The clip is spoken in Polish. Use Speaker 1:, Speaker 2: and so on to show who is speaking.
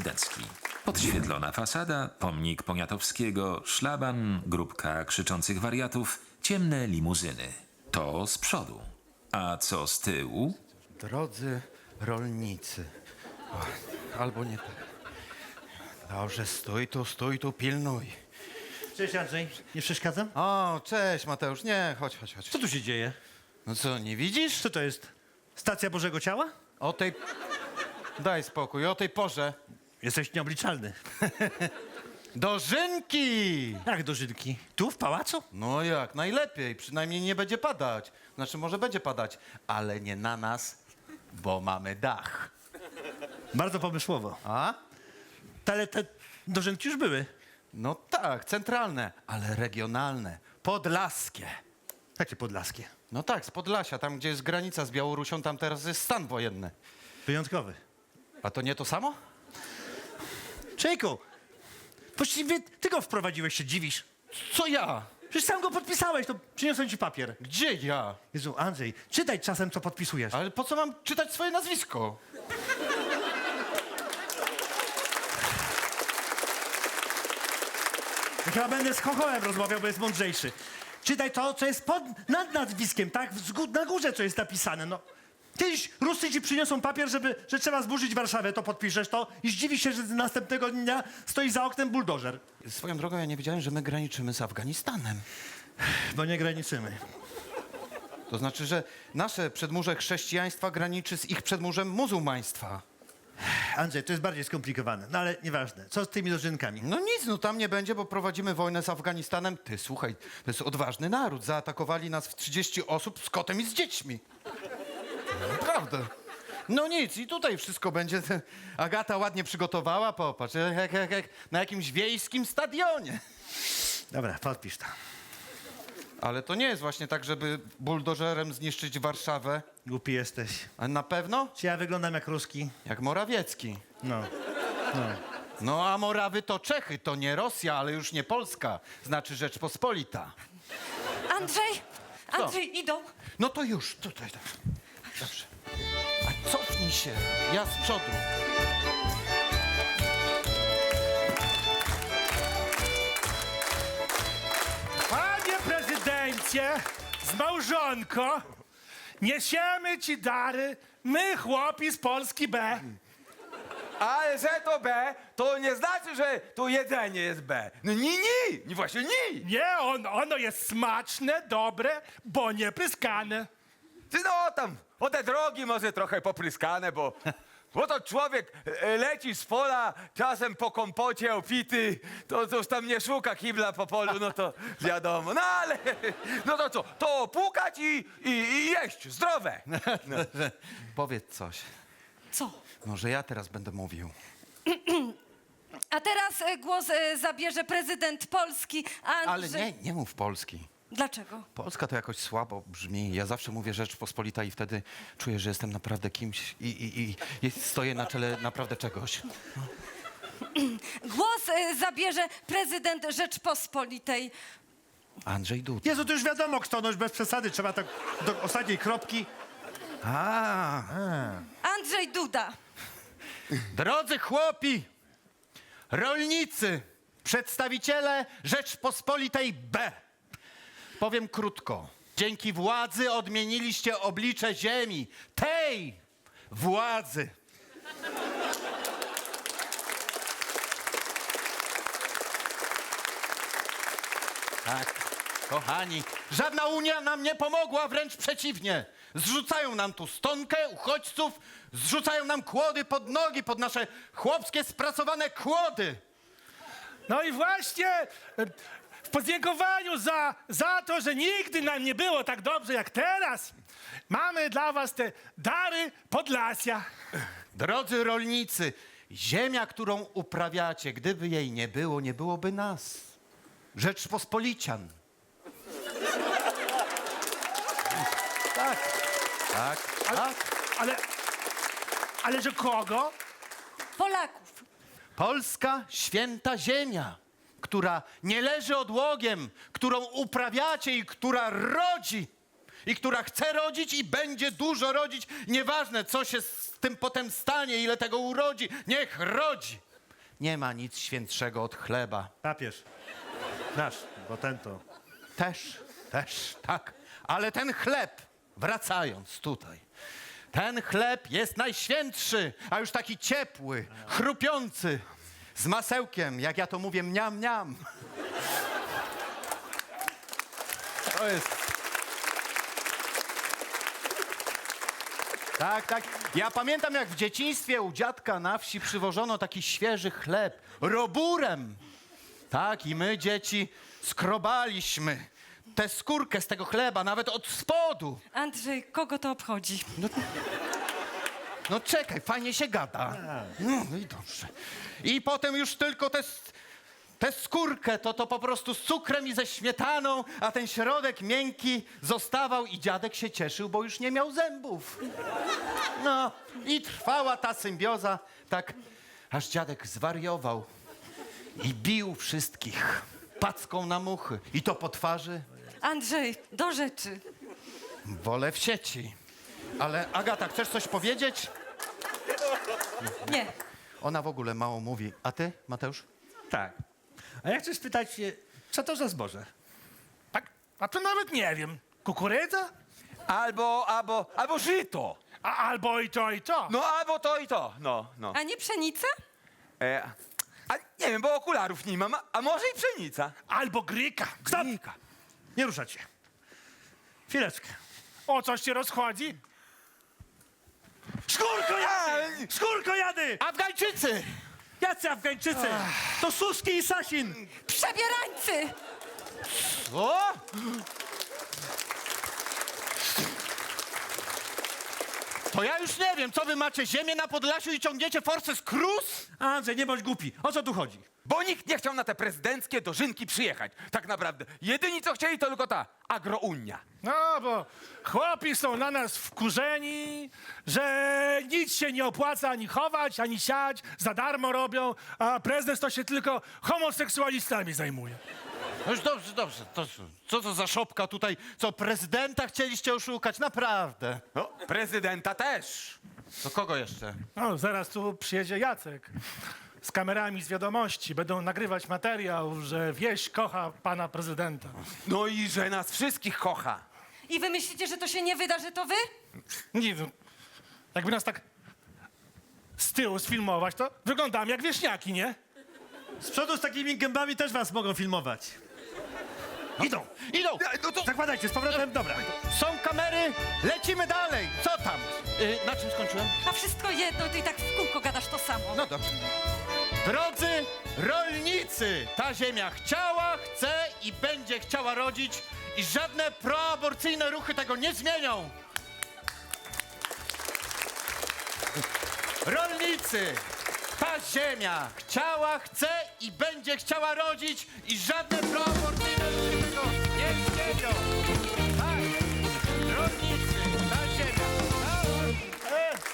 Speaker 1: prezydencki. Podświetlona fasada, pomnik Poniatowskiego, szlaban, grupka krzyczących wariatów, ciemne limuzyny. To z przodu. A co z tyłu?
Speaker 2: Drodzy rolnicy. O, albo nie tak. Dobrze, stój tu, pilnuj.
Speaker 3: Cześć Andrzej, nie przeszkadzam?
Speaker 2: O, cześć Mateusz, nie, chodź.
Speaker 3: Co tu się dzieje?
Speaker 2: No co, nie widzisz?
Speaker 3: Co to jest? Stacja Bożego Ciała?
Speaker 2: O tej... Daj spokój, o tej porze.
Speaker 3: Jesteś nieobliczalny.
Speaker 2: Dożynki!
Speaker 3: Jak dożynki? Tu, w pałacu?
Speaker 2: No jak, najlepiej, przynajmniej nie będzie padać. Znaczy, może będzie padać, ale nie na nas, bo mamy dach.
Speaker 3: Bardzo pomysłowo.
Speaker 2: A?
Speaker 3: Ale te dożynki już były.
Speaker 2: No tak, centralne, ale regionalne, podlaskie.
Speaker 3: Jakie podlaskie?
Speaker 2: No tak, z Podlasia, tam gdzie jest granica z Białorusią, tam teraz jest stan wojenny.
Speaker 3: Wyjątkowy.
Speaker 2: A to nie to samo?
Speaker 3: Czejku, właściwie ty go wprowadziłeś, się dziwisz.
Speaker 2: Co ja?
Speaker 3: Przecież sam go podpisałeś, to przyniosłem ci papier.
Speaker 2: Gdzie ja?
Speaker 3: Jezu, Andrzej, czytaj czasem, co podpisujesz.
Speaker 2: Ale po co mam czytać swoje nazwisko?
Speaker 3: Ja chyba będę z Chochołem rozmawiał, bo jest mądrzejszy. Czytaj to, co jest nad nazwiskiem, tak? Na górze, co jest napisane, no. Kiedyś Ruscy ci przyniosą papier, że trzeba zburzyć Warszawę, to podpiszesz to i zdziwisz się, że następnego dnia stoi za oknem buldożer.
Speaker 2: Swoją drogą, ja nie wiedziałem, że my graniczymy z Afganistanem.
Speaker 3: Bo nie graniczymy.
Speaker 2: To znaczy, że nasze przedmurze chrześcijaństwa graniczy z ich przedmurzem muzułmaństwa.
Speaker 3: Andrzej, to jest bardziej skomplikowane, no ale nieważne. Co z tymi dożynkami?
Speaker 2: No nic, no tam nie będzie, bo prowadzimy wojnę z Afganistanem. Ty, słuchaj, to jest odważny naród. Zaatakowali nas w 30 osób z kotem i z dziećmi. Naprawdę. No nic, i tutaj wszystko będzie. Agata ładnie przygotowała, popatrz, jak na jakimś wiejskim stadionie.
Speaker 3: Dobra, podpisz to.
Speaker 2: Ale to nie jest właśnie tak, żeby buldożerem zniszczyć Warszawę.
Speaker 3: Głupi jesteś.
Speaker 2: A na pewno?
Speaker 3: Czy ja wyglądam jak Ruski?
Speaker 2: Jak Morawiecki.
Speaker 3: No.
Speaker 2: No a Morawy to Czechy, to nie Rosja, ale już nie Polska. Znaczy Rzeczpospolita.
Speaker 4: Andrzej, idą.
Speaker 2: No to już, tutaj. Tak. Dobrze. A cofnij się, ja z przodu.
Speaker 5: Panie prezydencie, z małżonką niesiemy ci dary, my chłopi z Polski B.
Speaker 6: Ale że to B, to nie znaczy, że to jedzenie jest B. No nie, właśnie nie.
Speaker 5: Nie, ono jest smaczne, dobre, bo nie pryskane.
Speaker 6: Ty no tam, o te drogi może trochę popryskane, bo to człowiek leci z pola, czasem po kompocie opity, to już tam nie szuka kibla po polu, no to wiadomo. No ale, no to co, to pukać i jeść, zdrowe. No.
Speaker 2: Powiedz coś.
Speaker 4: Co?
Speaker 2: Może ja teraz będę mówił.
Speaker 4: A teraz głos zabierze prezydent Polski, Andrzej.
Speaker 2: Ale nie mów Polski.
Speaker 4: Dlaczego?
Speaker 2: Polska to jakoś słabo brzmi. Ja zawsze mówię Rzeczpospolita i wtedy czuję, że jestem naprawdę kimś i stoję na czele naprawdę czegoś.
Speaker 4: Głos zabierze prezydent Rzeczpospolitej.
Speaker 2: Andrzej Duda.
Speaker 3: Jezu, to już wiadomo kto, no już bez przesady, trzeba tak do ostatniej kropki.
Speaker 4: Andrzej Duda.
Speaker 2: Drodzy chłopi, rolnicy, przedstawiciele Rzeczpospolitej B. Powiem krótko. Dzięki władzy odmieniliście oblicze ziemi. Tej władzy. Tak, kochani, żadna Unia nam nie pomogła, wręcz przeciwnie. Zrzucają nam tu stonkę uchodźców, zrzucają nam kłody pod nogi, pod nasze chłopskie spracowane kłody.
Speaker 5: No i właśnie w podziękowaniu za to, że nigdy nam nie było tak dobrze jak teraz, mamy dla was te dary Podlasia.
Speaker 2: Drodzy rolnicy, ziemia, którą uprawiacie, gdyby jej nie było, nie byłoby nas. Rzeczpospolician. Tak.
Speaker 5: Ale że kogo?
Speaker 4: Polaków.
Speaker 2: Polska święta ziemia, która nie leży odłogiem, którą uprawiacie i która rodzi. I która chce rodzić i będzie dużo rodzić. Nieważne, co się z tym potem stanie, ile tego urodzi. Niech rodzi. Nie ma nic świętszego od chleba.
Speaker 3: Papież. Nasz, bo ten to...
Speaker 2: Też, tak. Ale ten chleb, wracając tutaj, ten chleb jest najświętszy, a już taki ciepły, chrupiący, z masełkiem, jak ja to mówię, mniam, mniam. To jest... Tak. Ja pamiętam, jak w dzieciństwie u dziadka na wsi przywożono taki świeży chleb, roburem. Tak, i my, dzieci, skrobaliśmy tę skórkę z tego chleba, nawet od spodu.
Speaker 4: Andrzej, kogo to obchodzi?
Speaker 2: No czekaj, fajnie się gada. No i dobrze. I potem już tylko tę skórkę to po prostu z cukrem i ze śmietaną, a ten środek miękki zostawał i dziadek się cieszył, bo już nie miał zębów. No i trwała ta symbioza, tak aż dziadek zwariował i bił wszystkich packą na muchy. I to po twarzy.
Speaker 4: Andrzej, do rzeczy.
Speaker 2: Wolę w sieci. Ale Agata, chcesz coś powiedzieć?
Speaker 4: Nie.
Speaker 2: Ona w ogóle mało mówi. A ty, Mateusz?
Speaker 3: Tak. A ja chcę spytać się, co to za zboże?
Speaker 5: Tak? A to nawet nie wiem. Kukurydza?
Speaker 6: Albo żyto.
Speaker 5: Albo i to, i to.
Speaker 6: No, albo to i to. No.
Speaker 4: A nie pszenica?
Speaker 6: A nie wiem, bo okularów nie mam, a może i pszenica.
Speaker 5: Albo gryka. Stop!
Speaker 3: Nie ruszać się. Chwileczkę.
Speaker 5: O, coś się rozchodzi?
Speaker 3: Skórko jady!
Speaker 2: Afgańczycy!
Speaker 3: Jacy Afgańczycy? To Suski i Sasin!
Speaker 4: Przebierańcy!
Speaker 2: O! To ja już nie wiem, co wy macie, ziemię na Podlasiu i ciągniecie Forces Cruz?
Speaker 3: Andrzej, nie bądź głupi. O co tu chodzi?
Speaker 6: Bo nikt nie chciał na te prezydenckie dożynki przyjechać. Tak naprawdę. Jedyni, co chcieli, to tylko ta agrounia.
Speaker 5: No, bo chłopi są na nas wkurzeni, że nic się nie opłaca ani chować, ani siać, za darmo robią, a prezes to się tylko homoseksualistami zajmuje.
Speaker 2: No już dobrze. Co to za szopka tutaj? Co, prezydenta chcieliście oszukać? Naprawdę.
Speaker 6: No, prezydenta też.
Speaker 2: To kogo jeszcze?
Speaker 5: No, zaraz tu przyjedzie Jacek z kamerami z wiadomości. Będą nagrywać materiał, że wieś kocha pana prezydenta.
Speaker 6: No i że nas wszystkich kocha.
Speaker 4: I wy myślicie, że to się nie wyda, że to wy?
Speaker 5: Nie, no, jakby nas tak z tyłu sfilmować, to wyglądamy jak wieśniaki, nie?
Speaker 3: Z przodu z takimi gębami też was mogą filmować.
Speaker 2: Idą!
Speaker 6: No to...
Speaker 3: Zakładajcie, z powrotem, dobra.
Speaker 2: Są kamery, lecimy dalej! Co tam? Na czym skończyłem?
Speaker 4: A wszystko jedno, ty i tak w kółko gadasz to samo.
Speaker 2: No dobrze. Drodzy rolnicy, ta ziemia chciała, chce i będzie chciała rodzić i żadne proaborcyjne ruchy tego nie zmienią. Rolnicy, ta ziemia chciała, chce i będzie chciała rodzić i żadne proaborcyjne